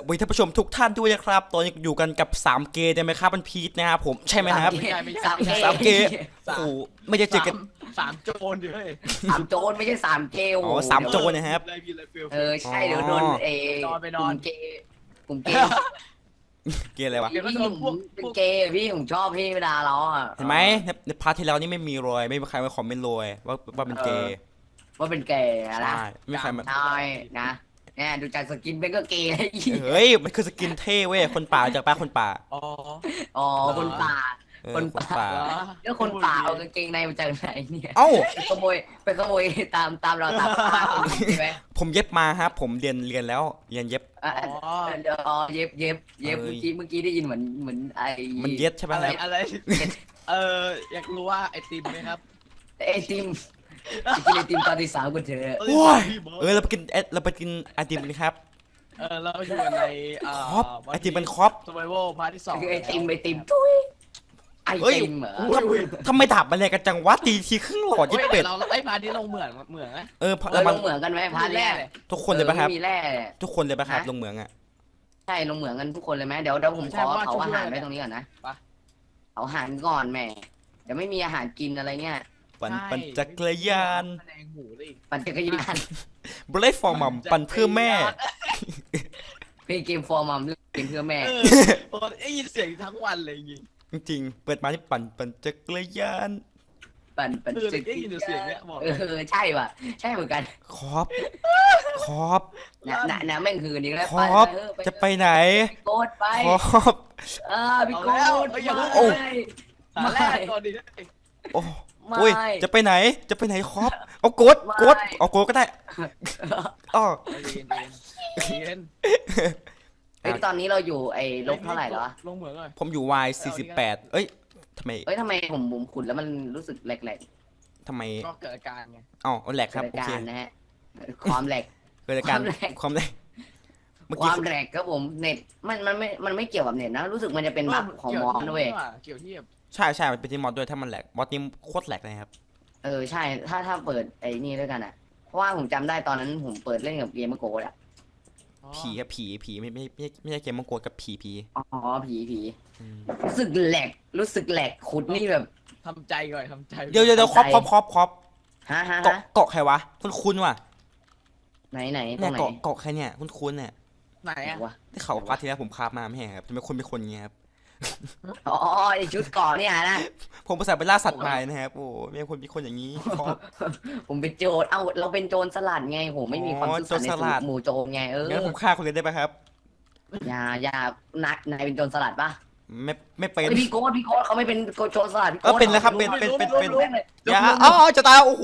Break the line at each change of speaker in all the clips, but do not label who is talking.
วัสดีท่านผู้ชมทุกท่านด้วยนะครับตอนนี้อยู่กันกับ3เกย์ได้ไหมครับมันพีทนะครับผมใช่ไหมครับ
สามเกย์
โอ้โหไม่ได้เจอกัน
สามโจรดิเฮ้ย
สามโจรไม่ใช่สามเกย์
อ๋อสามโจรนะครับ
ใช่เดี๋ยวโดนกลุ่มเกย์กลุ่มเกย์
เกย์อะไรวะ
พี่ผมเป็นเกย์พี่ผมชอบพี่เวลาเราอ่ะ
เห็นไหมในพาร์ทที่แล้วนี่ไม่มีรอยไม่มีใครมาคอมเมนต์รอยว่าเป็นเกย์
ว่าเป็นเกย์นะ
ใช่ไม่มีใครมา
ใช่นะเนี่ยดูจากสกินเป็นก็เกย์
เฮ้ยมันคือสกินเท่เว้ยคนป่าจากป้าคนป่า
อ๋อ
อ๋อคนป่า คนป่า
เหรอ
แล้วคนป่าเอากางเกงในมาจากไหนเนี่ย
เอ้า
ไปขโมยตามเราตามใช่ไหม
ผมเย็บมาครับผมเรียนแล้วเรียนเย็บ
เดี๋ยวเย็บเมื่อกี้ได้ยินเหมือนไอ้
มันเย็ดใช่ไหม
อะไร
ครับ
อะไรอยากรู้ว่าไอติมไหมครับ
ไอติมกินไอติมตอนที่3กันเถอะ
โอ้ยเราไปกินไอติมกันครับ
เราอยู่กันใน
ครอบไอติมเป็นครอบ
survival พาร์ทที่ 2
ไอติมทุยไอติมเหรอ
ทำไมดาบมันแรงกันจังวะตีทีครึ่งหลอด
เฮ้
ยิ่
ย
เป็ด
เราไอพาร์ทนี้ลงเหมืองนะ
เรา
เรา
มั
ล
น
งเหมืองกันไหมพาร์ทแรก
ทุกคนเลยปะครับ
มีแร่
ทุกคนเลยปะครับลงเหมืองอ่ะ
ใช่ลงเหมืองกันทุกคนเลยไหมเดี๋ยวผมขอเผาอาหารไว้ตรงนี้ก่อนนะเผาอาหารก่อนแม่เดี๋ยวไม่มีอาหารกินอะไรเงี้ย
ปั่นจักรยาน
แมลงหูเลย
ปั่นจักรยาน
บรฟอร์มัมปั่นเพื่อแม่
เป็นเกมฟอร์มัมเกมเพื่อแม่
ได้ยินเสียงทั้งวันเลยจริง
จริงๆเปิดมาที่ปั่นจักรยาน
ปั่น
จักรยานได้ยินเสียงเนี้ยบอก
ใช่ว่ะใช่เหมือนกัน
ครอบ
นะแม่งคือนี้แล้ว
ครอบจะไปไหน
โกดไป
ครอบ
พี่โกด
ตอนแรกก่อนดิ
โอ้ยจะไปไหนครอบเอาโกดเอาโกดก็ได้อ๋อ
เย็น
ตอนนี้เราอยู่ไอ้ลบเท่าไหร่แล้ว
ลงเหมืองเลย
ผมอยู่ Y 48เอ้ยทำไม
ทำไมผมขุดแล้วมันรู้สึกแหลก
ทำไม
ก็เกิดอาการไง
อ๋อแหลก
ๆ
ครับ
เกิด
โอเค
การนะฮะความแหลก
เกิดอาการความแหลกเมื่อ
ค
กี้
วามแหลกครับผมเน็ตมันไม่เกี่ยวกับเน็ตนะรู้สึกมันจะเป็นบั๊กของมอสด้วย
เกี่ยวที่แบบ
ใช่มันเป็นที่มอดด้วยถ้ามันแหลกมอดนี้โคตรแหลกเลยครับ
ใช่ถ้าเปิดไอ้นี่ด้วยกันอ่ะเพราะว่าผมจำได้ตอนนั้นผมเปิดเล่นกับเกมโกดอ่ะ
ผีครับผีไม่ใช่เกมมังกรกับผี
อ๋อผี
อืม
รู้สึกแหลกขุดนี่แบบ
ทำใจก่อนทำใจ
เดี๋ยวครอบ
ฮะ
เกาะใครวะคุ้นว่ะ
ไหนตร
เนี่ย
งไหน
เกาะใครเนี่ยคุ้นเนี่ย
ไหนอะ
วะ
ที่เขาพาร์ทที่แล้วผมคาบมาไม่ใช่ครับทำไมคนเป็นคนเงี้ยครับ
อ๋อไอชุดเกาะเนี่ยนะ
ผมภาษาไปล่าสัตว์มานะครับโอ้ไม่คนเป็นคนอย่างนี้ครอบ
ผมเป็นโจรเราเป็นโจรสลัดไงโหไม่มีความซื่อสัตย์
โจรสลัด
ในหมู่โจรไง
งั้นผมฆ่าคนเลยได้ปะครับ
อย่านายเป็นโจรสลัดปะ
ไม่เป็น
พี่โก้เขาไม่เป็นโจรสลัด
เป็นแล้วครับเป็นอย่าจะตายโอ้โห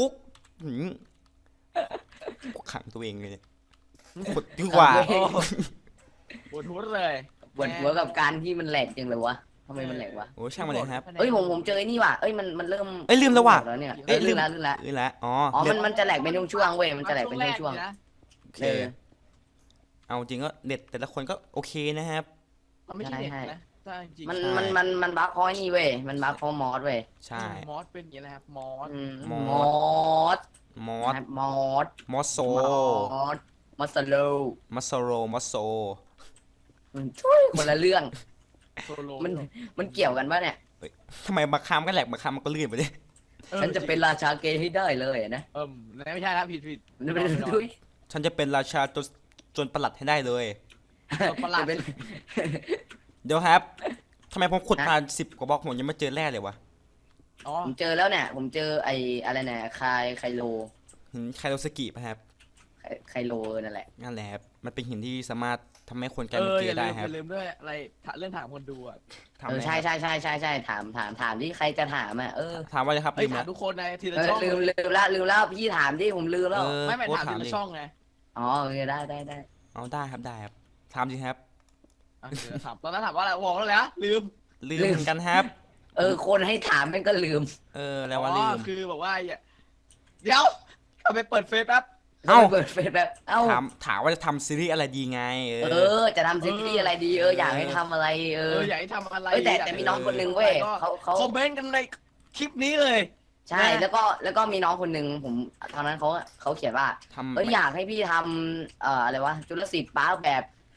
ขังตัวเองเลยขดดีกว่า
ปวดหัวเลย
ปวดหัวกับการที่มันแหลกจังเลยวะทำไมมันแหลกวะ
โอ้ช่างมันเลยครับ
ผมเจอไอ้นี่ว่ะมันเริ่ม
ลืมแล้วว่ะ
เนี่ย
ลืม
แล้ว
แล้วอ๋อ
มันจะแหลกเป็นช่วงๆเว้ยมันจะแหลกเป็นช่วง
โอเคเอาจริงก็เด็ดแต่ละคนก็โอเคนะครับ
ไม่ใช่เด็กนะถ้าจริง
มันบั๊กคอยนี่เว้ยมันบั๊กคอมอสเว้ย
ใช่
มอสเป็นอย่างนี้นะครับมอส
มอส
โซ
มอสโล
มัสโซ
ช่วยคนละเรื่อง
โซโล
มันเกี่ยวกันปะเนี่ย
ทำไมมาคามก็แหลกมาคามมันก็ลื่นไปดิ
ฉันจะเป็นราชาเกย์ให้ได้เลยนะ
ไม่ใช่แล้วผิด
ฉันจะเป็นราชาจนประหลัดให้ได้เลย
ประหลาด
เดี๋ยวครับทำไมผมขุดมา10 กว่าบล็อกผมยังไม่เจอแร่เลยวะ
อ๋อ
ผมเจอแล้วเนี่ยผมเจอไอ้อะไรเนี่ยไคโล
หินไคโรสกิป่ะครับ
ไคโลนั่นแหละ
นั่นแหละครับมันเป็นหินที่สามารถทำให้คนกลายเป็นเกย์ได้ครับ
อย่าลืมด้วยอะไรเรื่องถามคนดูอ่ะ
ใช่ถามที่ใครจะถามอ่ะ
ถามว่าเลยครับลืม
ถาม
แล้ว
ทุกคนในทีละช่อง
ลืมแล้วพี่ถามดิผมลืมแล้ว
ไม่ถามทีละช่องไง
อ๋อได้
เอาได้ครับถามจริงครับ
ถามตอนนั้นถามว่าอะไรบอกแล้วแหละลืม
ลืมเหมือนกันครับ
คนให้ถามมันก็ลืม
แล้วว่าลืม
คือบอกว่าเดี๋ยวเอาไปเปิดเฟซแป๊บ
เปิดเฟซแบบ
ถามว่าจะทำซีรีส์อะไรดีไง
จะทำซีรีส์อะไรดีอยากให้ทำอะไร
อยากให้ทำอะไร
แต่มีน้องคนนึงเว้ยเขา
คอมเมนต์กันในคลิปนี้เลย
ใช่แล้วก็มีน้องคนนึงผมตอนนั้นเขาเขียนว่าอยากให้พี่ทำอะไรวะจุลศิลป์ป้าแบบ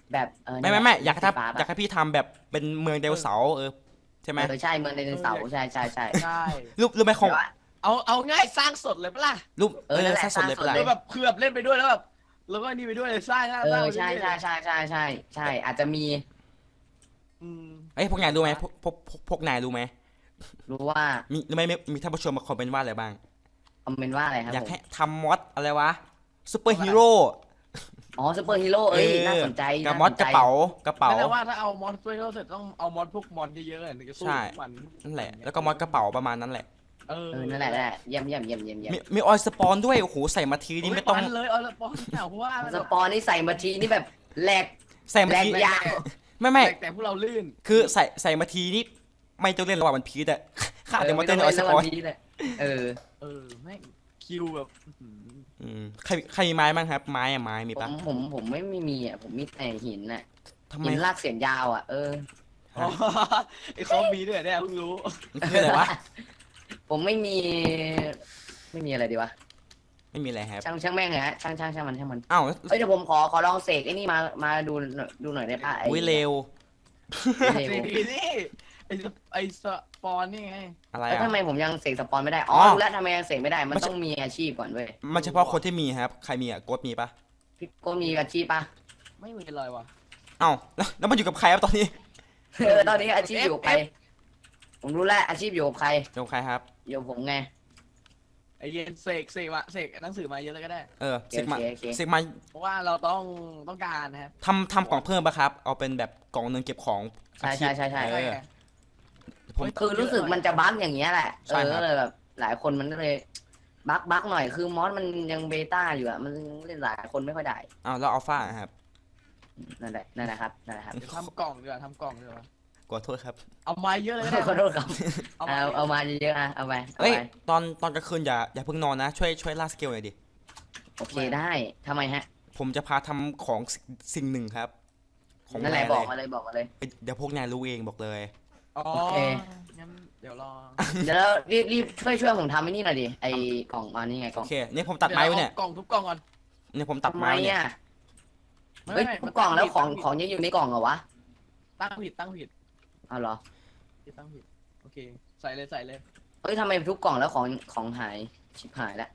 แบบ
ไม่อยากให้
สีฟ้
ทำอยากให้พี่ทำแบบเป็นเมืองไดโนเสาร์ใช่ไหม
ใช่เมืองไดโนเสาร์ใช่
ใช่
รูปไหมของ
เอาง่ายสร้างสดเลยปะล่ะ
รูป
นั่นแหละ
สร้างสดเลย
สร้างสด
เป็นไร
คือแบบคือแบบเล่นไปด้วยแล้วแบบแล้วก็นี่ไปด้วยเลยสร้างสร้างสร้างไป
ใช่
เรื่อยๆ
ใช่อาจจะมี
อืม
พวกนายรู้ไหมพวกนายรู้ไหม
รู้ว่า
มีรู้ไหมมีท่านผู้ชมมาคอมเมนต์ว่าอะไรบ้าง
คอมเมนต์ว่าอะไรครับ
อยาก
ผม
ให้ทำมอดอะไรวะซูเปอร์ฮีโร่
อ๋อซูเปอร์ฮีโร่น่าสนใจ
กับมอดกระเป๋ากระเป๋า
แต่ว่าถ้าเอามอนสเตอร์เสร็จต้องเอามอนพวกมอนเยอะๆถึงจะสู้
ใช่
มัน
นั่นแหละแล้วก็มอดกระเป๋าประมาณนั้นแหละ
นั่นแหละเยี่ยม
มีออยสปอนด้วยโอ้โหใส่มาทีนี่ไม่ต้อง
เลยเอาละปอนเพราะว่า
สปอนนี่ใส่มาทีนี่แบบแหลก
ใส่มา
แหลก
ที
ยาว
ไม่
แต่พวกเราลื่น
คือใส่มาทีนี่ไม่ต้องเล่นระหว่างมันพีดอะข้าเดี๋ยวมาเต้นออยสปอน
เออ
แม่งคิวแบบ
ใครมีไม้บ้างครับ ไม้มีปะ
ผมไม่มีอ่ะผมมีแต่หินน่ะ
ทำไม
หินลากเสียนยาวอ่ะ
ไอ้เขามีด้วยเนี่ยเพิ่งรู้
มันคืออะไรวะ
ผมไม่มีอะไรดีวะ
ไม่มีอะไรครับ
ช่างแม่งเลยฮะช่างมัน
อ้าว
เฮ้ยเดี๋ยวผมขอลองเสกไอ้นี่มาดูหน่อยได้ปะ
อุ้ยเร็ว
นี่ไอ้สปอนนี่ไง
อะไร
แล้ว
อ่ะ
ทำไมผมยังเสกสปอนไม่ได้รู้แล้วทำไมยังเสกไม่ได้มันต้องมีอาชีพก่อนเว้ย
มันเฉพาะคนที่มีครับใครมีอ่ะโกดมีปะ
พี่โก้มีอาชีพปะ
ไม่มีเลยว่ะ
อ้าวแล้วมันอยู่กับใครครับตอนนี้
ตอนนี้อาชีพอยู่กับใครผมรู้แล้วอาชีพอยู่กับใคร
อยู่กับใครครับ
อยู่กับผมไง
ไอ้เย็นเสกหนังสือมาเยอะเลยก็ได้
เสกมา
โอเค
เสกมา
เพราะว่าเราต้องการนะครับ
ทำกล่องเพิ่มปะครับเอาเป็นแบบกล่องหนึงเก็บของอาชีพ
ใช่
เออ ผม
คือรู้สึกมันจะบั๊กอย่างเงี้ยแหละ
ใช่ครับ
เลยแบบหลายคนมันก็เลยบั๊กหน่อยคือมอสมันยังเบต้าอยู่อะมันเล่นหลายคนไม่ค่อยได้
อ้าวแล้วอัลฟาครับ
นั่นแหละนะครับ
ทำกล่องดีกว่าทำกล่องดีกว่า
ขอโทษครับ
เอาไม้เยอะเลยก็ได้
ขอโทษครับ
เอา
เอามาเยอะๆอะเอาไป
เอ้ยตอนกลางคืนอย่าเพิ่งนอนนะช่วยล่าสเกลหน่อยดิ
โอเคได้ทำไมฮะ
ผมจะพาทำของสิ่งหนึ่งครับของ
นั่นแหละ
าย
บอก
เลย
มาเลย
เดี๋ยวพวกนายรู้เองบอกเลย
อ๋อ
โอเค
งั้นเดี๋ยวรอ
เดี๋ยวเรารีบช่วยผมทำไอ้นี่หน่อยดิไอ้กล่องมานี่ไงกล่
โอ
อง
เคนี่ผมตัดไม้ไว้เนี่ย
กล่องทุบกล่องก่อน
เนี่ยผมตัด
ทำไม
ไม้เนี่ย
อ่ะเฮ้ยทุกกล่องแล้วของยังอยู่ในกล่องเหรอวะ
ตั้งผิด
เอาเหรอ
ตั้งผิดโอเคใส่เลย
เฮ้ยทำไมทุกกล่องแล้วของหายชิบหายแล้ว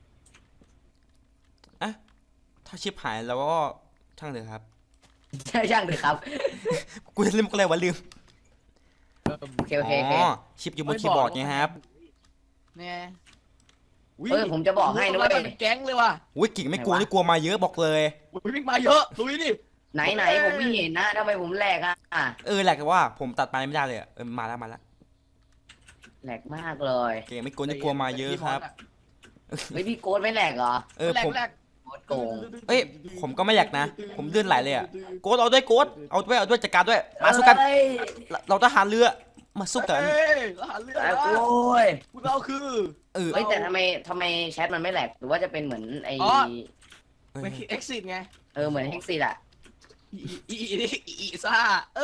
ถ้าชิปหายแล้วก็ช่างเถอะครับ
ใช่ช่างเลยครับ
กูจะลืมอะไรวะลืม
โอเค
อ๋อชิปอยู่บนคีย์บอร์ดไงครับ
เนี่ย
เฮ้ยผมจะบอกให้นะเว้ย
เป็นแก๊งเลยว่ะ
อุ้ยกิ่งไม่กลัวนี่กลัวมาเยอะบอกเลย
วิ่งมาเยอะลุยดิ
ไหนผมไม่เห็นนะทำไมผมแหลกอ่ะ
แหละก็ว่าผมตัดไม้ไม่ได้เลยมาแล้ว
แหลกมากเลย
เก่งไม่กลัวนี่กลัวมาเยอะครับ
เฮ้ยพี่โกดไม่แหลกเหรอ
ผม
แรก
โกดโกง
เอ้ยผมก็ไม่อยากนะ ผมเลื่อนไหลเลยอะโกดเอาด้วยโกดเอาด้วยจัดการด้วยมาสู้กัน
เอ้ย
เราทหารเรือมาสู้กัน
เฮ้ยทหารเรือ
โอ้ย
พวกเราคือ
เฮ้ยแต่ทำไมแชทมันไม่แหลกหรือว่าจะเป็นเหมือนไอ้
ไม่คิด exit ไง
เหมือนเฮกซี่อะ
อีซ่า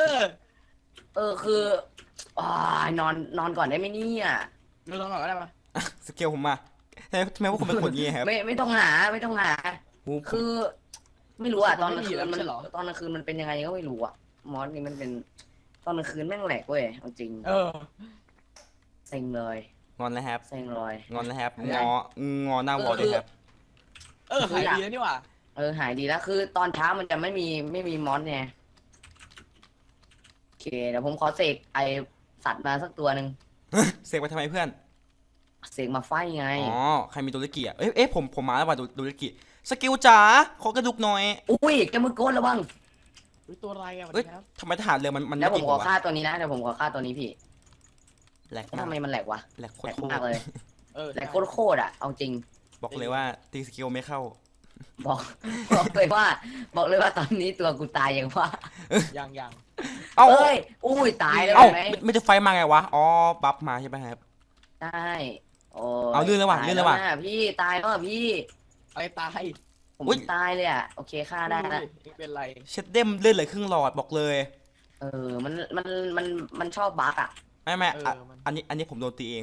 คืออนอนก่อนได้ไหมเนี่ย
เราลองก่อนก็ได้ปะ
สเกลผมมาทำไมว่าผมเป็นคนงี้ครับ
ไม่ต้องหา
โอ้โห
คือ ไม่รู้อะตอนกลางคืนมันเป็นยังไงก็ไม่รู้อะมอสนี่มันเป็นตอนกลางคืนแม่งแหลกเว้ยเอาจริงเซ็งเลย
งอนแล้วครับ
เซ็งเลย
งอนแล้วครับงอหน้าวอลด้วยครับ
หายดีแล้วนี่หว่า
หายดีแล้วคือตอนเช้ามันจะไม่มีมอสไงโอเคเดี๋ยวผมขอเสกไอสัตว์มาสักตัวหนึ่ง
เสกไปทำไมเพื่อน
เสกมาไฟไง
อ๋อใครมีโดริกิอ่ะผมมาแล้วว่ะโดริกิสกิลจ๋าขอกระดูกหน่อย
อุ้ยแกมือโกนระวัง
ตัวอะไรอ่ะ
เอ้ยทำไมทหารเรือมัน
แล้วผม
เก่ง
ขอ
วะ
ฆ่าตัวนี้นะเดี๋ยวผมขอฆ่าตัวนี้พี่
แหลก
ทำไมมันแหลกวะ
แหลกโค
แหล
ต
ก
ร
มากเลย แหลกโคตรอะเอาจริง
บอกเลยว่าตีสกิลไม่เข้า
บอกเลยว่าตอนนี้ตัวกูตายอย่างว่า
ยัง
เอ้า
เอ้ยอุ้ยตายเลย
เอ้า
ไหม
ไม่จะไฟมาไงวะอ๋อบัฟมาใช่ไหมครับ
ใช่โอ้
เอาลื่นแล้วว่ะ
ตาย
ลื่นแล้วว่ะ
ะพี่ตายแล้วอะพี่
ไปตาย
ผม
อุ๊ย
ตายเลยอะโอเคฆ่าได้ละ
ไม่เป็นไร
เช็ดเด้มเลื่อนเลยครึ่งหลอดบอกเลย
มันชอบบั๊กอะ
ไม่อันนี้ผมโดนตีเอง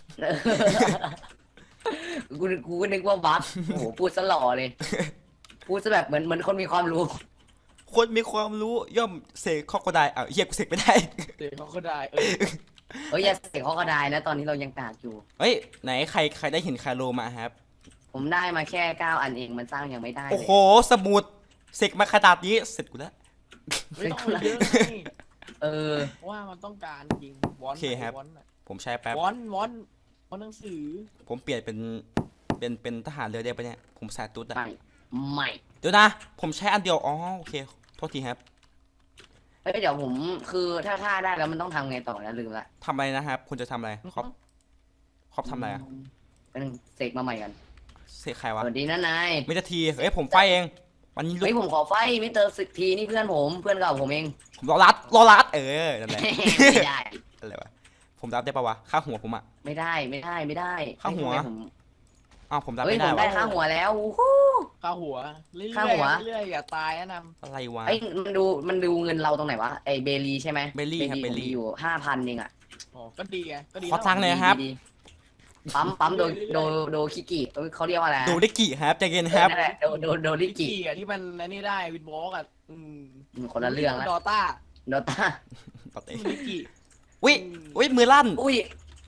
กูก็นึกว่าบั๊กโอ้โหพูดซะหล่อเลย พูดซะแบบเหมือนคนมีความรู้
โคนมีความรู้ย่อมเสกคอกก็ได้อ้าวเฮียกูเสกไม่ได้
เด็กเขาก็ได้
อย่าเสกเขาก็ได้นะตอนนี้เรายังกากอยู่
เฮ้ยไหนใครได้หินคาโลมาครับ
ผมได้มาแค่9 อันเองมันสร้างยังไม่ได้
โอ้โหสมุดเสกมาขนาดนี้เสร็จกูแล้ว
ไม่ต้องเยอะไง
ๆ
ว่ามันต้องการจริงวอน
โอเคครับ ผมใช้แป๊บ
วอนหนังสือ
ผมเปลี่ยนเป็นทหารเรือได้ปะเนี่ยผมใส่ตุ๊ดอะ
ไม่
เดี๋ยวนะผมใช้อันเดียวอ๋อโอเคโทษทีครับ
เดี๋ยวผมคือถ้าได้แล้วมันต้องทำไงต่อนะลืมละ
ทำอะไรนะครับคุณจะทำอะไรครอบทำอะไรอะ
เป็นเสกมาใหม่กัน
เสกใคร
ส
วะ
วัสดีนะนาย
ไม่จะทีเฮ้ยผมไฟเองวันนี้
เฮ้ยผมขอไฟมิสเตอร์สิทีนี่เพื่อนผมเพื่อนเก่าผมเอง
ผมรอรัดนั่นแหละ
ไม่ได้
อะไรวะผมรับได้ปะวะค่าหัวผมอะ
ไม่ได้
ข้างหัว
ผม
อ้าวผมรับ
เฮ้ย
ไม่
ผ
ได้
มได้
วะ
ค่าหัวแล้วฮู้
ข้าหัวเรื่อย
ข้าหัว
ๆเรื่อยๆอย่าตายนะน
อะไรวะ
เอ้ยมันดูเงินเราตรงไหนวะไอเบลีใช่ไหม
เบลลี่ครับ
ผม
เบลลี่
มีอยู่5,000เองอะ
ำอ๋อก็ดีไงก็ดี
ขอตังค์หน่อยครับ
ดีปั๊มโดคิกิเขาเรียกว่าอะไรนะ
ดูได้กี่ครับใจเย็นครับ
นั่นแหละโดลิ
ลิ
กิ
กิอ่ะที่มันอันนี้ได้วินบล็อกอ่ะ
คนละเรื่องละ
ดอต้า
โดตา
ปกติ
ลิกิ
อุ้ยมือลั่น
อุ้ย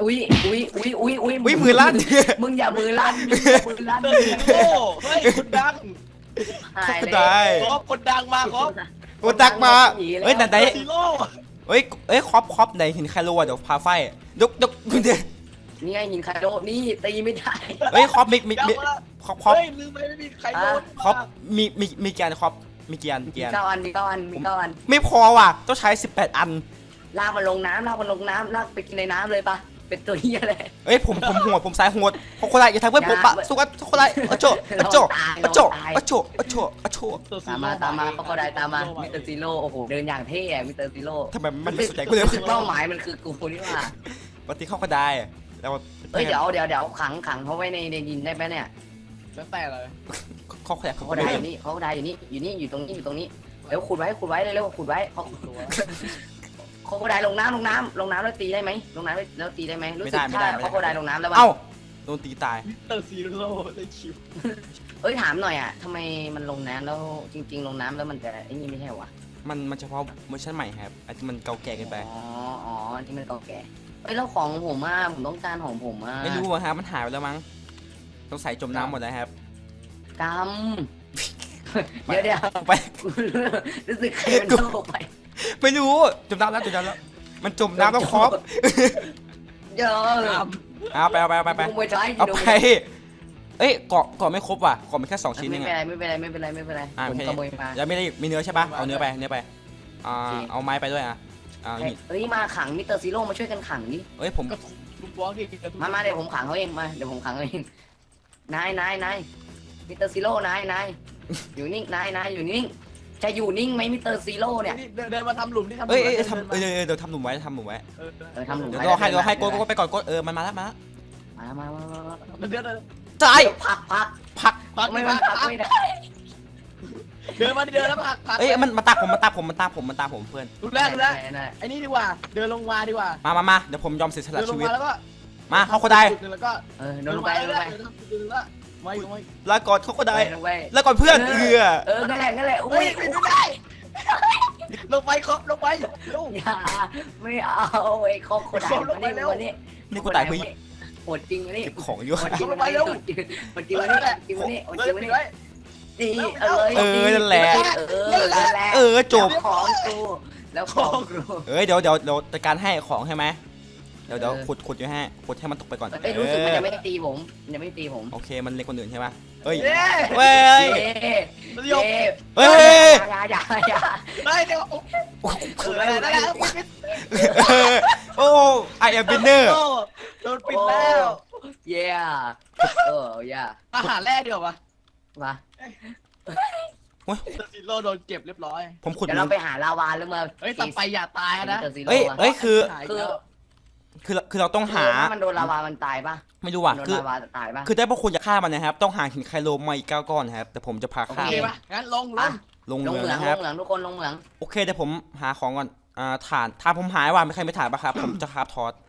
มือลั่น
มึงอย่ามือลั่นมึงอย่ามือลั่น
เตอร์ซิโร่เฮ้ยคนดัง
หายเลย
ได้
ครับคนดังมาครับ
กูตักมาเฮ้ยไหน
เตอร์ซิโร่
เฮ้ยครอบไหนหินไคโลอะเดี๋ยวพาไฟยกคุณเด
นี่ไงหินคาโดนี่ตีไม่ได้
เฮ้ยครอบมี
ยังมา
ครอบ
เฮ้ยลืมไปไม่มีใครโดน
ครอบมีเกียร์ครอบมีเกียร์
มี9 อัน
ไม่พอว่ะต้องใช้18 อัน
ลากมันลงน้ำลากไปกินในน้ำเลยปะเป็นตัวเหี้ยเลย
เฮ้ยผมหัวผมสายหัวคนคนไรอย่าทำเพื่อนผมปะสุกัสคนไรอโจอโจ
ตามมาเขาก็ได้ตามมามิสเตอร์ซีโร่โอ้โหเดินอย่างเท่อะมิสเตอร์ซีโร่
ทำไมมันไม่สนใจกูเลย
เป้าหมายมันคือกูนี่ว่า
ปฏิเข้าก็ได้แล้ว
เฮ้ยเดี๋ยวขังเขาไว้ในดินได้ไหมเนี่ย
แล้วแต่เลย
เขาขยับ
เขา
เขา
ก็
ก็
ได้
ได้
อยู่ตรงนี้เร็วขุดไว้เร็วขุดไว้เขาก็ได้ลงน้ำแล้วตีได้ไหมลงน้ำแล้วตีได้ไหมรู้สึกถ้าเขาก็ได้ลงน้ำแล้ว
เอ้าโดนตีตาย
เตอร์ซิโร่ได้คิว
เอ้ยถามหน่อยอ่ะทำไมมันลงน้ำแล้วจริงๆลงน้ำแล้วมันจะไอ้นี่ไม่ใช่วะ
มันเฉพาะเวอร์ชันใหม่ครับอันที่มันเก่าแก่เกินไป
อ๋อที่มันเก่าแก่เอ้ยแล้วของผมอ่ะผมต้องการของผมอ่ะ
ไม่รู้อะครับมันหายไปแล้วมั้งต้องใส่จมน้ำหมดแล้วครับ
กำเดี๋ยว
ไป
รู้สึกใครมันโลกไป
ไม่รู้จมน้ำแล้วมันจมน้ำแล้วครอบ
เยอะ
เอาไป
เอาไป
เอาไปเอ้ยเกาะไม่ครบว่ะเกาะมีแค่2 ชิ้นเอง
ไม่เป็นไรผมขโมยมา
แล้วไม่ได้มีเนื้อใช่ปะเอาเนื้อไปเอาไม้ไปด้วย
เฮ้ยมาขังมิสเตอร์ซีโร่มาช่วยกันขังดิ
เอ้ยผม
ลูกบอลดิ
มาเดี๋ยวผมขังเขาเองมาเดี๋ยวผมขังเขาเองนายมิสเตอร์ซีโร่นายอยู่นิ่งนายอยู่นิ่งจะอยู่นิ่งไหมมิสเตอร์ซีโร่เนี่ย
เดินมาทำหลุมที่ทำ
เอ้ยเดี๋ยวทำหลุมไว้ทำหลุมไว้
ทำหลุม
เดี๋ยวรอให้โกไปก่อนโกมันมาแล้วมา
เดิน
ตาย
พักไม่ได้
เดินมาเดินแล้วพัก
เอ้ยมันตามผมเพื่อน
ดูแรกไอ้นี่ดีกว่าเดินลงมาดีกว่า
มาเดี๋ยวผมยอมเสียสละ
เดินล
ชี
ง
วิต
มาแล้วก็
มาเขาก็ได้
แล้วก็
โดนไป
ไม่
ลาก่อนเขาก็ได้
ไป
แล้วก่อนเพื่อน
นั่นแหละอุ้ย
ไม่ได้ลงไปครับลงไปลง
อย่าไม่เอาไอ้คอกคนไหนวันนี้
นี่กูตายเพื่อ
โหดจริงวันนี้
เก็บของอยู่
โหดจริงวันนี้โหดจริงวันนี้ดี
นั่นแหละจบ
ของกูแล้วของกู
เดี๋ยวจัดการให้ของใช่ไหมเดี๋ยวขุดอยู่ให้ขุดให้มันตกไปก่อน
รู้สึกมันจะไม่ตีผม
โอเคมันเล็กคนอื่นใช่ไหมเฮ้ย
เฮ้ย
ยก
เฮ้ย
อย่า
ไม่เดี๋ยวได้แล้ว
โอ้ไอแอมบินเนอร์
โดนปิดแล้ว
เย่ย่า
อาหารแรกเดียวปะ
มา
ซิโร่โดนเก็บเรียบร้อย
ผมขุด
เดี๋ยวเราไปหาลาวาแล้วมา
เฮ้ยต่อไปอย่าตายนะ
เฮ้ยคือเราต้องหา
มันโดนลาวามันตายปะ
ไม่รู้ว่ะ
โดนลาวาตายปะ
คือได้พวกคุณจะฆ่ามันนะครับต้องหาหินไคโลมาอีก9 ก้อนครับแต่ผมจะพาฆ่า
โอเคปะงั้นลง
ลง
ลง
เมื
เห
อง
มือง
นะครับ
ทุกคนลงเหมือง
โอเคเดี๋ยวผมหาของก่อนฐานผมหายว่ะไม่ใครไม่ถ่านปะครับผมจะคราฟทอส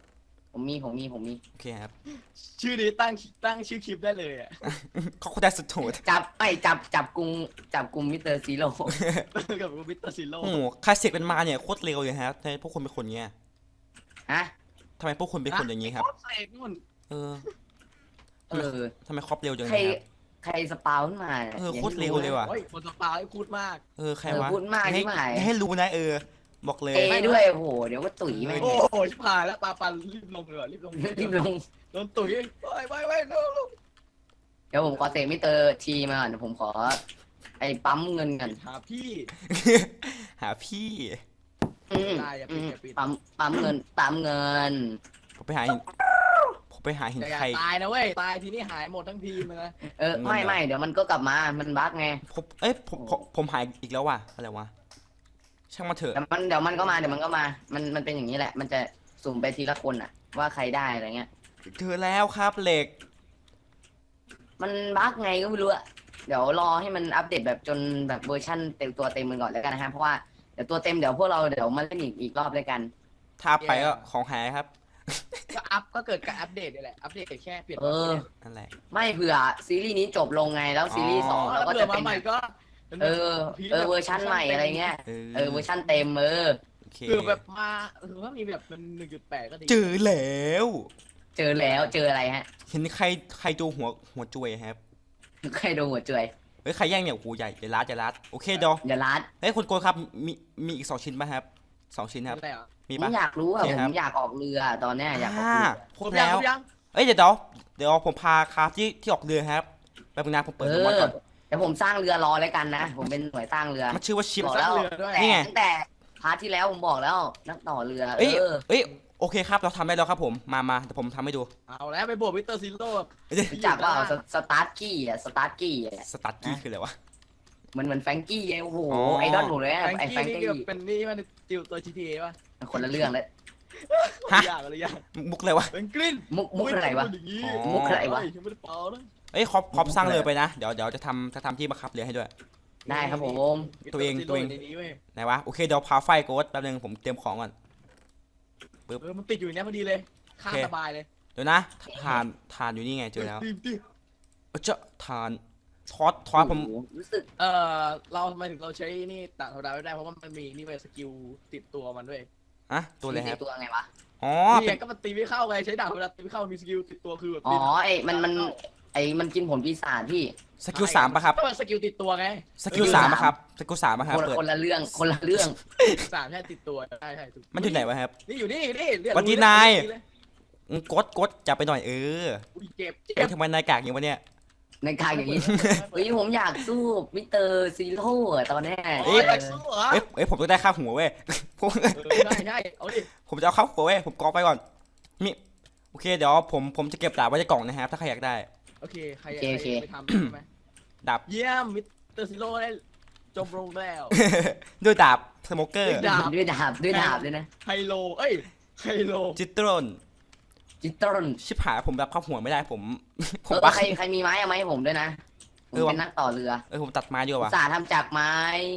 ผมมี
โอเคครับ
ชื่อนี้ตั้งชื่อคลิปได้เลยอ่ะ
เขาได้สุดโหด
จับกุมมิสเตอร์ซีโร่
กับมิสเตอร์ซิโร่
โอ้โหคลาสสิกเป็นมาเนี่ยโคตรเร็วเลยครับทำไมพวกคุณเป็นคนเงี้ย
ฮะ
ทำไมพวกคุณเป็นคนอย่างนี้ครับ
เสกนู่น
เออ
เออ
ทำไมครอบเร็วจัง
ใค
เล
ร
ยครับ
ใครสปาวขึ้นมา
เออโคตรเร็วเลยว่ะ
โอ้ยคนสปาให้พูดมาก
เออใครวะ
พูดมาก
ให้
ที่หมาย
ให้รู้นะบอกเลย
ด้วยโอ้โหเดี๋ยวก็ตุ๋ยแม่ง
โอ้โหชิบหายแล้วปลาปันรีบลงเลยรีบลง
รีบลง
โดนตุ๋ยไปลง
เดี๋ยวผมขอเตะมิสเตอร์ทีมาก่อนเดี๋ยวผมขอไอ้ปั๊มเงินกัน
หาพี่
หาพี่
ได้อย่าปิดอย่าปิด
ปั๊มเงิน
ผมไปหาหิน
อย่า
ใคร
ตายนะเว้ยตายทีนี้หายหมดทั้งทีมเลยนะ
ไม่เดี๋ยวมันก็กลับมามันบั๊กไง
ผมหายอีกแล้วว่ะอะไรวะช่างมาเถอะ
เดี๋ยวมันก็มามันเป็นอย่างนี้แหละ มันจะสุ่มไปทีละคนอะว่าใครได้อะไรเงี้ย
เจอแล้วครับเหล็ก
มันบั๊กไงก็ไม่รู้อะเดี๋ยวรอให้มันอัปเดตแบบจนแบบเวอร์ชั่นเต็มตัวเต็มมันก่อนแล้วกันนะฮะเพราะว่าเดี๋ยวตัวเต็มเดี๋ยวพวกเราเดี๋ยวมาเล่นอีกรอบด้วยกัน
ถ้าไปก็ของหายครับ
ก็เกิดการอัปเดตนี่แหละอัปเดตแค่เปลี่ยน
นั่นแหละ
ไม่เผื่อซีรีส์นี้จบลงไงแล้วซีรีส์สอง
แล้
เรา
ว
ก็
เผื่
จะ
อมา
เป็น
ใหม่ก็
เวอร์ชั่นใหม่อะไรเงี้ยเวอร์ชั่นเต็ม
โอเค
คือแบบมาคือว่ามีแบบเป็น1.8ก็ดี
เจอแล้ว
เจออะไรฮะ
เห็นใครดูหัวจุยครับ
ใครดูหัวเจย
เฮ้ยใครแย่งเนี่ยโอ้โหใหญ่จะรัดโอเคเดี๋ยว
อย่าลัด
เฮ้ยคุณโกครับมีอีก2 ชิ้นป่ะครับ2 ชิ้นครับ
อะไรอ่ะ
มี
ผ
ป่ะ
มอยากรู้อะ
โอเค
ผ
ครับ
มอยากออกเรือตอนเนี้ยอยากออกเรือ
ครบแล้ว
ยัง
เอ้ยเดี๋ยวผมพาคราฟที่ออกเรือครับแป๊บนึงนะผมเปิดดูมอนก่อน
เดี๋ยวผมสร้างเรือรอแล้วกันนะผมเป็นหน่วยสร้างเรือ
มันชื่อว่าชิป
บอกแล้ว
เรือด้วย
นี่ไง
ตั้งแต่พาร์ทที่แล้วผมบอกแล้วนักต่อเรือ
เอ้ยโอเคครับเราทำได้แล้วครับผมมาเดี๋ยวผมทำให้ดู
เอาแล้วไปบวกมิสเตอร์ซิโร่
รู้จักว่าสตาร์กี้อะสตาร์กี้อะ
สตาร์กี้คืออะไรวะ
เหมือนแฟรงกี้ไงโอ้โห
อ๋อ
ไอดอลผมเลยอะ
แฟรง
ไอแฟรง
กี้นี่
กี้
เป็นนี่มันติวตัว GTA ป่ะ
คนละเรื่องเลย
ยากอะไรยาก
มุกเลยวะ
เป็นกลิ้น
มุกอะไรวะ
มุก
อะไรวะ
ยังไม่ได้เป่านะ
เอ้ยครอบสร้างเรือไปนะเดี๋ยวจะทำที่บังคับเรือให้ด้วย
ได้ครับผม
ตัวเอง
ในนี้เว้ย
ไหนวะโอเคเดี๋ยวพาไฟโกดแป๊บนึงผมเตรียมของก่อน
มันติดอยู่เนี้ยพอดีเลยข้าม
โอเค
สบายเลย
เดี๋ยวนะทานอยู่นี่ไงเจอแล้วเจ้าทานทอดผม
โอ้โหรู้สึก
เราทำไมถึงเราใช้นี่ต่างธรรมดาไม่ได้เพราะว่ามันมีนี่เป็นสกิลติดตัวมันด้วย
อะตัวอะไรครับ
ตัวไงวะ
อ๋อ
นี่ไงก็มันตีไม่เข้าไงใช้ดาบเวลาตีไม่เข้ามีสกิลติดตัวคือแบบ
อ๋อไอมันกินผลปีศาจพี่
สกิล3ป่ะครับ
ก็มันสกิลติดตัวไง
สกิล3ป่ะครับสกิล3ป่ะครับเปิด
คนละเรื่อง
สามแค่ติดตัวใช่ถูก
มันอยู่ไหนวะครับ
นี่อยู่นี่เลือด
วันที่นาย กดจับไปหน่อย
อุ้ยเจ็บ
เอ้ยทำไมนายกากอย่างวะเนี่ย
ในการอย่างนี้เฮ้ยผมอยากสู้มิสเตอร์ซีโร่อะตอนเนี้ย
โอ้ยแบ็กสู้เหรอ
เอ้ยผมต้องได้ค่าหัวเว้ย ผม
ใช่เอาดิ
ผมจะเอาค่าหัวเว้ยผมกรอกไปก่อนมีโอเคเดี๋ยวผมจะเก็บดาบไว้ในกล่องนะครับถ้าใครอยากได้
โอเคใครไปทำใช่ไหม
ดาบ
เยี่ยมมิสเตอร์ซิโร่ได้จบลงแล้ว
ด้วยดาบสโมเกอร์
ด้วยดาบเลยนะ
ไฮโลไฮโล
จิตรน
จิตตรน
ชิบหายผมรับค่าหัวไม่ได้ผม
ใครมีไม้เอาไม้ให้ผมด้วยนะผมเป็นนักต่อเรือ
ผมตัดไม้ดีกว่า
สาทำจากไม้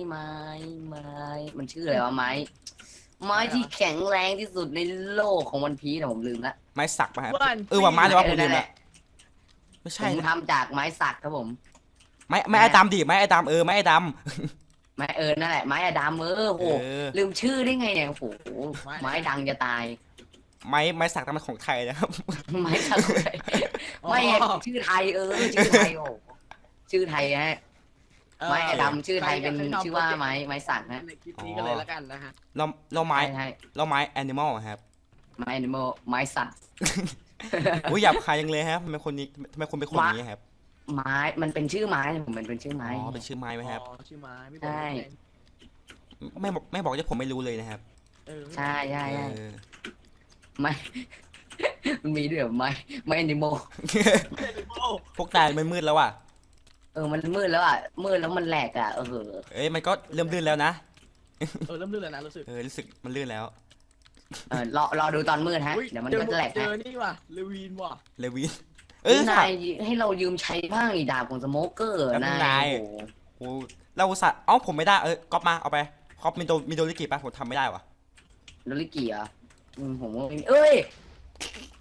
มันชื่ออะไรวะไม้ที่แข็งแรงที่สุดในโลกของวันพีแต่ผมลืมละ
ไม้สักป่ะครับว่าไม้แต่ว่าผมลืมละไม่
ผ
ใช่
มทำจากไม้สักครับผม
ไม้ไอ้ดำดิไม้ไอ้ดำไม้ไอ้ด
ไม้นั่นแหละไม้อะดามโหลืมชื่อได้ไงเนี่ยโอ้โหไม้ดังจะตาย
ำไม้สักแต่มันของไทยนะครับ
ไม้สักไม่ชื่อไทยชื่อไทยโอ้ชื่อไทยฮะไม้อะดำชื่อไทยเป็นชื่อว่าไม้สักฮะ
ในคลิปนี้กันเลยแล้วกันนะฮะ
เราไม้แอนิมอลครับ
ไม้แอนิมอลไม้สัตว์
อุ้ยหยาบคายยังเลยครับทำไมคนเป็นคนอย่างนี้ครับ
ไม้มันเป็นชื่อไม้ผมมันเป็นชื่อไม้
อ๋อเป็นชื่อไม้ไหมครับ
ชื่อไม้ไม่บอก
ใช่
ไม่บอกจะผมไม่รู้เลยนะครับ
ใช่
เออ
ไม้ มันมีด้วยเหรอไม้แอนิมอล
พวกนายมันมืดแล้วอ่ะ
มันมืดแล้วอ่ะมืดแล้วมันแหลกอ่ะ
เอ้ยมันก็เริ่มลื่นแล้วนะ
เริ่มลื่นแล้วนะรู้สึก
รู้สึกมันลื่นแล้ว
รอดูตอนมืดฮะเดี๋ยวมันก็จะแหลก
เจ
ฮะ
อนี่ว่ะเลวีนว่ะ
เลวิน
นายให้เรายืมใช้บ้างอีดาบของสโมเกอร์นาย
โอ้เราสัตว์ผมไม่ได้ก๊อปมาเอาไปก๊อปมีโดริกิป่ะผมทำไม่ได้วะ
โดริกิอ่ะผมว่าเอ้ย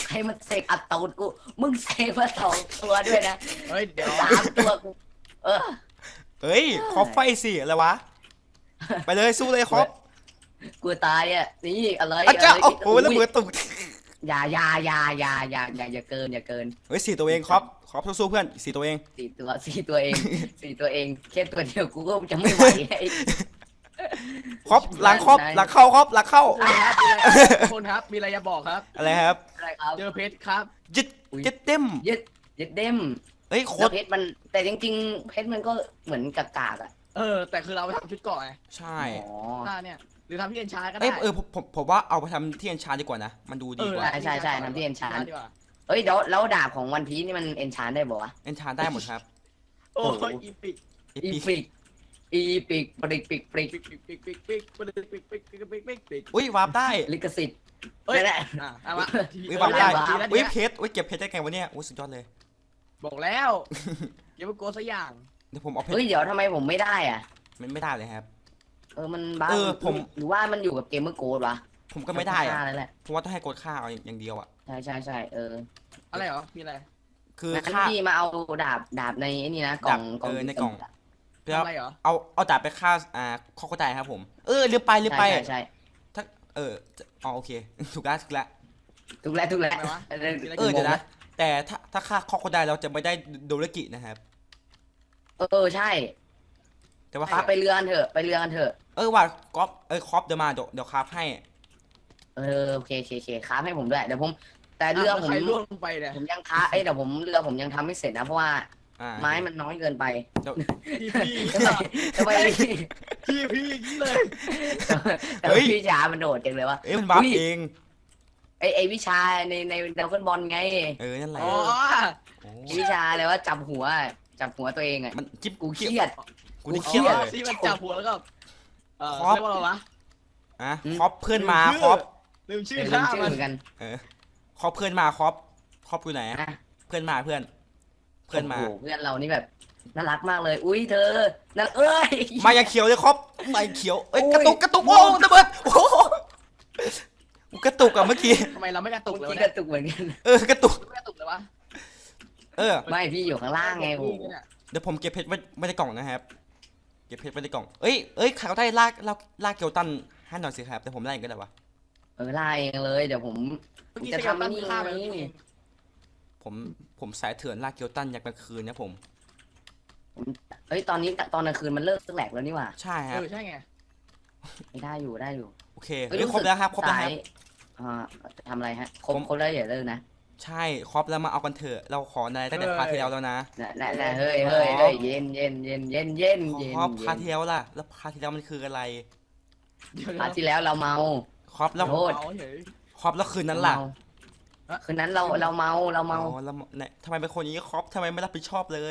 ใครมันเสกอัดตูดกูมึงเสกมา2 ตัวด้วยนะ
เฮ้ยเดี๋ยว
3 ตัวกูเออ
เฮ้ยคอปไฟสิอะไรวะไปเลยสู้เลยคอป
กูตายอ่ะนี่อะไร
อาจารย์
ะไร
โอ้โหแล้วมือตุก
อย่าเกินอย่าเกิน
เฮ้ย4 ตัวเองคอปสู้ๆเพื่อน4 ตัวเอง
4 ตัวเอง 4 ตัวเองแค่ตัวเดียวกูก็จะไม่ไหวไอ้
คอปหลังคอปหลังเข้าคอปหลังเข้า
คนครับมีอะไรจะบอกครับ
อะไรครับ
อะไรครับ
เจอเพชรครับ
ยึดยึดเต็ม
ยึดเด้ม
เฮ้ยโค
แล้ว
ตร
เพชรมันแต่จริงๆเพชรมันก็เหมือนกากๆอ่ะ
แต่คือเราไปทำชุดเกราะไง
ใช่
อ๋อ
ถ้าเนี่ยหรือทำที่เอ็นชาร์ก็
เอ้
ได้
ยผมว่าเอาไปทำที่เอ็นชาร์ดีกว่านะมันดูดีกว่า
ใช่ทำที่เอ็นชาน
ดีกว่า
เอ้ยแล้วดาบของวันพีนี่มันเอนชานได้บ่วะ
เอ็นชาร์ได้หมดครับ
โอ้ยอีปิก
อี
อี
พี
ปิกอีปิกปริกปิก
ปิกปิกปิกปิกปิกปิกปิกปิกปิกปิกปิกปิก
อุ้ยวาร์ปได้
ลิขสิทธิ์
เอ้ย
นั่นแหละ
เอามา
อุ้ยวาร์ปได้
วาร์ป
อุ้ยเพชรอุ้ยเก็บเพชรได้ไงวะเนี่ยอุ้ยสุดยอดเลย
บอกแล้วอย่าไปโกลัวสักอย่าง
เดี๋ยวผมเอาเพช
เฮ้ย
ร
เดี๋ยวทำไมผมไม่ได้อ่ะ
มันไม่ได้เลยครับ
มันบ้า
ผม
หรือว่ามันอยู่กับเกมเมอร์โกดวะ
ผมก็ไม่ได้อะ
นั่นแหละ
เพราะว่าต้องให้กดค่าเอาอย่างเดียวอะ
ใช่
อะไรเหรอมีอะไร
คือ
งั้น
ค่า
พี่มาเอาดาบในไอ้นี่นะกล่อง
ในกล่อง เพื่อ
ทำอะไรเหรอ
เอาดาบไปฆ่าข้อเข้าใจครับผมลืมไป
ใช่
ถ้าโอเค ถูกแล้ว
ถูกแล้ว
ทำไมวะ
เดี๋ยวนะแต่ถ้าฆ่าข้อเข้าใจเราจะไม่ได้โดเรกินะครับ
ใช่
แต่ว่า
ไปเรือกันเถอะไปเรือกันเถอะ
ว่าก๊อฟคอปเดี๋ยวมาเดี๋ยวคราฟให้
โอเคค้าให้ผมด้วยเดี๋ยวผมแต่เรือผม
ใครล่วงลงไปเนี่ย
ผมยังค้าเดี๋ยวผมเรือผมยังทำไม่เสร็จนะเพราะว่า ไม้มันน้อยเกินไป
พี่
ทำไม
พี่เลย
แต่วิชามันโดดจังเลยวะ
มันบัฟเอง
ไอวิชาในดาวเกิลบอลไง
นั่นแหละ
อ๋อ
วิชาอะไรว่าจับหัวตัวเองอ่ะ
มันจิ๊บ
กูเครียด
กูนี่เครียดเลย
ที่มันจับหัวแล้วก็เรียกว่าอะไรวะ
คอปเพื่อนมาคอป
ลืมชื่อ
ลื
ข้าม
ชื่อ
มัน
เหมือนกัน
คอปเพื่อนมาคอปอยู่ไหนเพื่อนมาเพื่อนมา
เพื่อนเรานี่แบบน่ารักมากเลยอุ้ยเธอนั่น
มาอย่างเขียวเลยคอปมาเขียวกระตุกโอ้ระเบิดโอ้กระตุกอะเมื่อกี้
ทำไมเราไม่กระตุกเลย
ที่
วะ
ก
เนี่ย
ระตุกเหมือนกัน
กระตุก
ไม่กระตุกเลยวะ
ไม่พี่อยู่ข้างล่างไงโอ้
เดี๋ยวผมเก็บเพชรไว้ในกล่องนะครับเก็บเพชรไว้ในกล่องเอ้ยใครเขาได้ลากเกียวตันให้หน่อยสิครับแต่ผมไล่ก็ได้วะ
ไล่เองเลยเดี๋ยวผม
เมื่อกี้
จะ
จะ
ทำ
ทำ
นี่
นี่ข้ามไปแล้วนี่
ผมสายเถื่อนลากเกียวตันยามกลางคืนนะผม
ตอนนี้ตอนกลางคืนมันเลิกแหลกแล้วนี่หว่า
ใช่ครับ
ใช่ไง
ไม่ได้อยู่
โอเคครบแล้วครับครบแล้วครับ
ทำอะไรฮะครบแล้วอย่าเลิกนะ
ใช่ครบแล้วมาเอากันเถอะเราขออะไรตั้งแต่พาร์ทที่แล้วแล้วนะ
น่ะเฮ้ยเย็น
ครบพาร์ทที่แล้วล่ะแล้วพาร์ทที่แล้วมันคืออะไร
พาร์ทที่แล้วเราเมา
ครบแล้ว
โทษ
ครบแล้วคืนนั้นล่ะ
คืนนั้นเราเมา
แล้วเนี่ยทำไมเป็นคนอย่างนี้ครบทำไมไม่รับผิดชอบเลย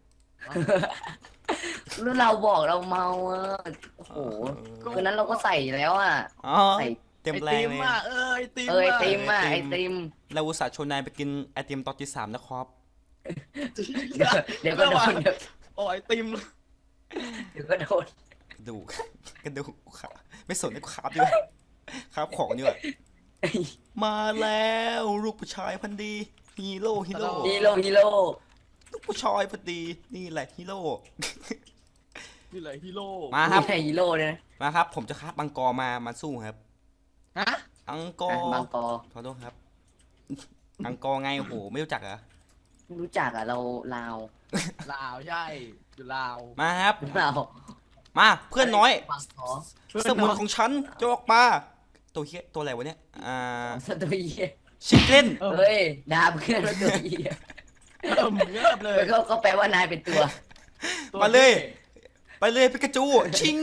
แล้วเราบอกเราเมาโอ้โหคืนนั้นเราก็ใส่แล้วใส่
เต็มแรงเลย
ไอติม
ไอติม
เราอุตส่าห์ชวนนายไปกินไอติมตอนที่ 3นะครับ
เดี๋ยวก็โดน
โอ้ไอติม
เดี๋ยวก็โดน
กระดูกขาไม่สนให้กูขาบด้วยขาบของด้วยมาแล้วลูกผู้ชายพันดีฮีโร่ฮีโร่ ลูกผู้ชายพอดีนี่แหละฮีโร่
นี่เลยฮีโร่
มาครับ
ฮีโร่เลย
มาครับ ผมจะคาบบังกอมาสู้ครับ
ฮะ
อังกอร์
บางกอ
ขอโทษครับ อังกอร์ไงโอ้โหไม่รู้จักเหรอ
รู้จักเราลาว
ลาวใช่อยู่ลาว
มาครับ
เรา
มาเพื่อนน้อย
บางกอ
สมุนของฉันจะออกมาตัวเฮียตัวอะไรวะเนี่ย
สตูดิโอ
ชิคเก้น
เฮ้ยดาบเพื่อนตัวเหี้ย
เงียบเลย
ก็แปลว่านายเป็นตัว
มาเลยไปเลยปิกาจูชิง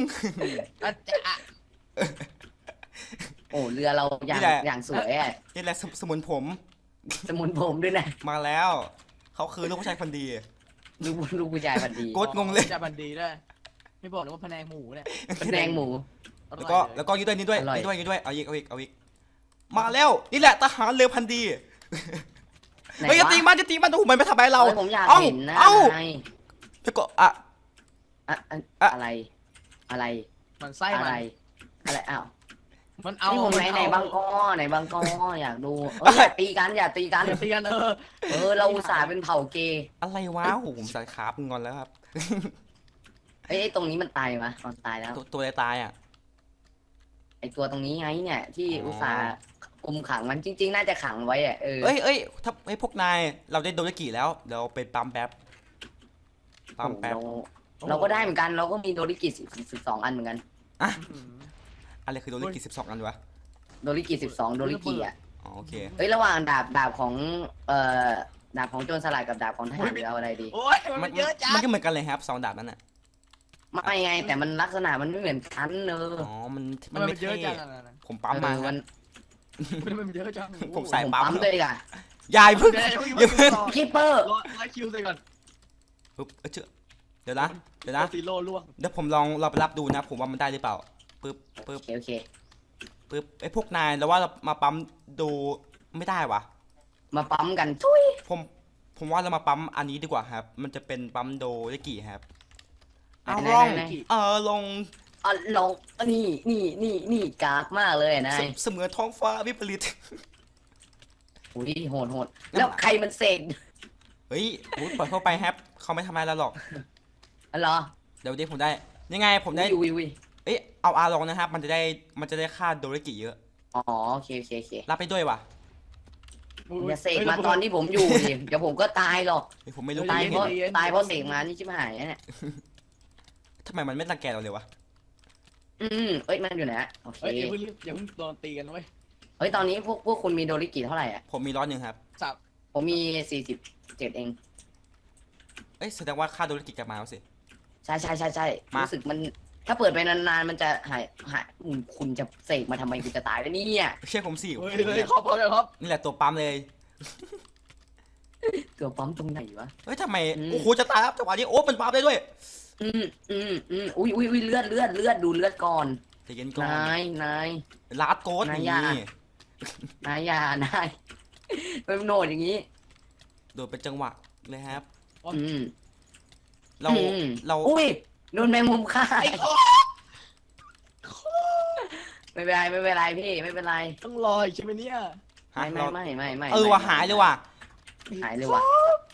โอ้เรือเราอย่างสวยอ่ะ
นี่แหละสมุนผม
สมุนผมด้วยนะ
มาแล้วเขาคือลูกผู้ชายคนดี
ลูกผู้ชายพันดี
โกดงงเลย
จะบันดีด้วยไม่บอกเลยว่าพะแนงหมูเนี่ย
แดงหมู
แล้วก็นี่ด้วยเอาอีกมาแล้วนี่แหละทหารเรือพันดีเฮ้ยจะตีมันโอ้โหมันไม่ทำอะไรเรา
ผมอยากเห็นนะ
แล้วก็
อะไร
มันไส้
อะไร
มัน
อ้าว
มันเอา
นี่ผม
มั
ไหน
เอา
ไหนบางกอไหนบางกออยากดูอย่าตีกันอย่าตีกัน
เตียน
เราอุตส่าห์เป็นเผ่าเกย์
อะไรวะโอ้โหผมสายขาบงอนแล้วครับ
ไอ้ตรงนี้มันตายมะตอนตายแล้ว
ตัวอะไรตายอ่ะ
ไอ้ตัวตรงนี้ไงเนี่ย ที่
อ๋ออุ
อุตส่าห์กุมขังมันจริง ๆ น่าจะขังไว้อะ
เอ้ยถ้าไอ้พวกนายเราได้โดนกี่แล้วเดี๋ยวไปปั๊มแป๊บปั๊มแป๊บ
เราก็ได้เหมือนกันเราก็มีโดริกิ12 อันเหมือนกัน
อะไรคือโดนกี่12 อันวะ
โดริกิ12 โดริกิอ่ะ
อ๋อโอเค
เฮ้ยระหว่างดาบของดาบของโจรสลัดกับดาบของทหารเอาอะไรดี
โอ้ยมันเยอะจั
มั
ง
นก็เหมือนกันเลยครับ2 ดาบนั้นอ่ะ
ไม่ไงแต่มันลักษณะมันไม่เหมือนกันเนอะ
อ๋อมัน
มัน
ไม่
เยอะ
เท่
จัง
ผมปั๊มมาค
มั
รับ
น
มันเยอะจัง
ผมใส่
ผม
ปั๊ม
ปั๊มเลยอ่ะ
ยายพึ่ง
เดี๋ยว
อย่าเพิ่ง
คิปเปอร์
รอคิวใส่ก่อน
ปึ๊บเดี๋ยวนะ
ซีโร่ล่วง
เดี๋ยวผมลองเราไปรับดูนะ ผมว่ามันได้หรือเปล่าปึ๊บ
โอเค
ปึ๊บไอ้พวกนายแล้วว่าเรามาปั๊มดูไม่ได้วะ
มาปั๊มกันทุย
ผมว่าเรามาปั๊มอันนี้ดีกว่าครับ มันจะเป็นปั๊มโดได้กี่ครับเอา
ไหน
ลอง
ไหน
ลง
ลองนี่กากมากเลยนาย
เสมือนท้องฟ้าวิปริต
อุ้ยโหดแล้วใครมันเสก
เฮ้ยอุ๊ยปล่อยเข้าไปครับเขาไม่ทำอะไรเราหรอก
อ๋อเหรอ
เดี๋ยวผมได้ยังไงผมได้
วิว
เอ้ยเอาอาลองนะครับ มันจะได้ค่าโดเรกิเยอะ
อ๋อโอเค
รับไปด้วยวะ
อย่าเสกมาตอนที่ผมอยู่ดิเดี๋ยวผมก็ตายหรอก
เฮ้ยผมไม่รู้
ตาย
ผม
เพราะ
ไม่เห็น
ตายเพราะเสกมานี่ชิบหายเนี่ย
ทำไมมันไม่รังแกเราเลยวะ
เอ้ยมันอยู่ไหนโอเค
เฮ้ยอย่าเพิ่งโดนตีกันเว้ย
เฮ้ยตอนนี้พวกคุณมีโดริกิเท่าไหร่อ่ะ
ผมมี100ครับ
สับ
ผมมี47เอง
เอ้ยแสดงว่าค่าโดเรกิกลับมาแล้วสิ
ใช่
มารู้
รู้สึกมันถ้าเปิดไปนานๆมันจะหายคุณจะเสกมาทำไมคุณจะตายแล้วเนี่ย
เชื่อผมสิ
เฮ้ยครับครับ
นี่แหละตัวปั๊มเลย
ตัวปั๊มตรงไหนวะ
เฮ้ยทำไมโอ้โหจะตายครับจังหวะนี้โอ้มันปั๊มได้ด้วย
อุ้ยเลือดดูเลือดก่อน
ใจเย็นก่อน
นาย
ลาดโกด
นาย
นี่
อย่า นายเป็นโหนดอย่างนี้
โดดเป็นจังหวะเลยครับ
อืม
เรา
อุ้ยโดนแมงมุมฆ่าไม่เป็นไรพี่ไม่เป็นไร
ต้องรอใช่ไหมเนี่ย
ฮะ
ไม่
เออว่ะหายเลยว่ะ
หายเลยว่ะ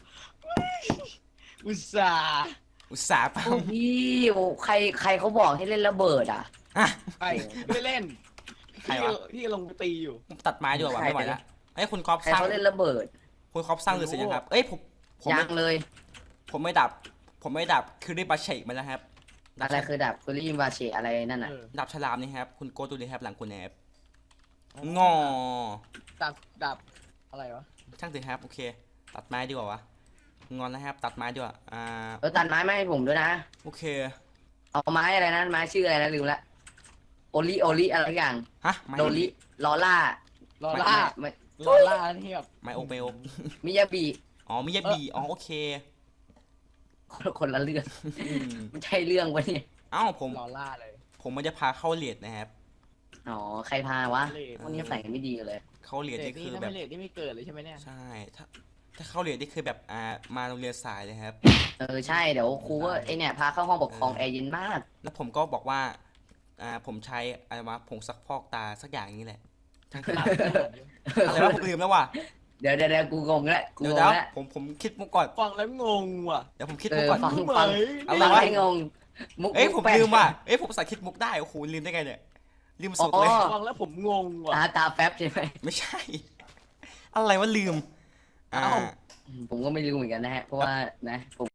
อุตส่าห์
อุตส่าห์ปั๊
โอ้
ม
พี่โอ้ใครเขาบอกให้เล่นระเบิดอ่ะ
อ่ะ
ไปไม่เล่น
ใครวะ
พี่ลงไปตีอยู่
ตัดไม้ดีกว่าว่ะไม่ไหวละเอ้ยคุณครอป
ใคร
สร้าง
เขาเล่นระเบิด
คุณครอปสร้างหรือเสร็จยังครับเอ้ยผม
ยังเลย
ไม่ดับคือได้บาเชกมาแล้วครับ
อะไรคือดาบคุริวาเชอะไรนั่นน่ะ
ดับฉลามนี่ครับคุณโกดูเลยครับหลังคุณแอบงอ
ดับอะไรวะ
ช่างสิครับโอเค ตัดไม้ดีกว่าวะงอนแล้วครับ ตัดไม้ดีกว่า
ตัดไม้มาให้ผมด้วยนะ
โอเค
เอาไม้อะไรนะไม้ชื่ออะไรนะลืมละโอลิอะไรอย่าง
ฮะไม้
โดริลอล่า
ลอล่า
ไม่
ลอล่านี่แบบ
ไม้โอเปโอ
มิยาบิ
อ๋อมิยาบิอ๋อโอเค
คนละเรื่อง
อืม
ไม่ใช่เรื่องวะเนี่ย
เอ้าผม
ลอล่าเลย
ผมมันจะพาเข้าเลียดนะครับ
อ๋อใครพาวะ
เลด
พวกนี้ใส่กันไม่ดีเลย
เข้าเลียดนี่คือแบบ
เลดนี่ไม่เกิดเลยใช่ไหมเนี่ย
ใช่ถ้าเข้าเรียนนี่คือแบบมาโรงเรียนสายเลยครับ
ใช่เดี๋ยวครูก็ไอเนี่ยพาเข้าห้องปกครองแอร์เย็นมาก
แล้วผมก็บอกว่าผมใช้อะไรวะผงซักฟอกตาสักอย่างนี้แหละช่างตาอะไรวะผมลืมแล้วว่ะ
เดี๋ยวกูงงแล้วกู
เดี๋ยว
ง
เดี๋ยว
งแล้ว
ผมคิดมุกก่อน
ฟังแล้วงงว่ะ
เดี๋ยวผมคิดมุกก่อน
ฟัง
เหมย
อะไร
ฟัง
วะ
ให้งงมุก
ผม
แปลก
ลืมว่ะผมสาคิดมุกได้โอ้โหลืมได้ไงเนี่ยลืมสุดเลย
อ๋อ
ฟังแล้วผมงงว่ะ
ตาแป๊บใช่ไหม
ไม่ใช่ อะไรวะลืม
เอ้า
ผมก็ไม่รู้เหมือนกันนะฮะเพราะว่านะผม